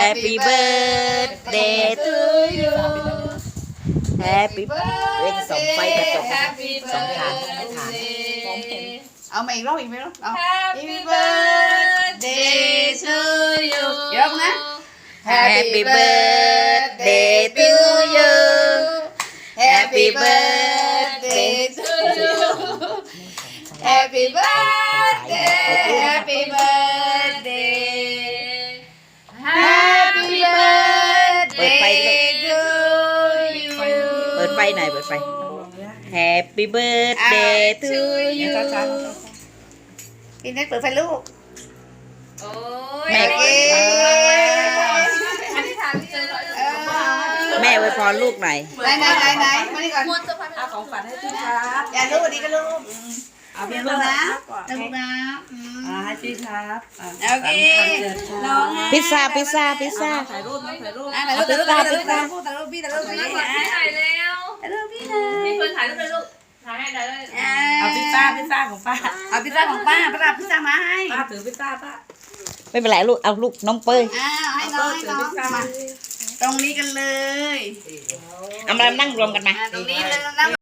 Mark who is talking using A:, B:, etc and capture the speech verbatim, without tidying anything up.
A: Happy birthday to you Happy birthday ส่องไฟกระจกสองฐานไม่ฐานมองเห็นเอามาอีกรอบอีกไหมรอบเอา Happy birthday to you เยอะนะ Happy birthday to you Happy birthday to you Happy birthday Happy birthday Happy birthday to you เปิดไฟหน่อยเปิดไฟ Happy birthday to you พี่เน็ตเปิดไฟลูกแม่เก๋แม่ไว้พรลูกหน่อยไหนไหนไหนไหนมานี่ก่อนเอาของฝันให้พี่ครับอย่าลูกวันนี้ก็ลูกเอาพี่ลูกนะลูกนะอ่าให้พี่ครับโอเคน้องพิซซ่าพิซซ่าพิซซ่าถ่ายรูปถ่ายรูปถ่ายรูปถ่ายรูปถ่ายรูปถ่ายรูปพี่ถ่ายรูปพี่ถ่ายแล้วถ่ายรูปพี่นะมีคนถ่ายรูปเลยลูกถ่ายให้ได้เลยเอาพิซซ่าพิซซ่าของป้าเอาพิซซ่าของป้าป้ารับพิซซ่ามาให้ป้าถือพิซซ่าป้าไม่เป็นไรลูกเอาลูกน้องเป้ยอ้าวให้น้องให้น้องมาตรงนี้กันเลยเอามานั่งรวมกันมาตรงนี้เลยนั่ง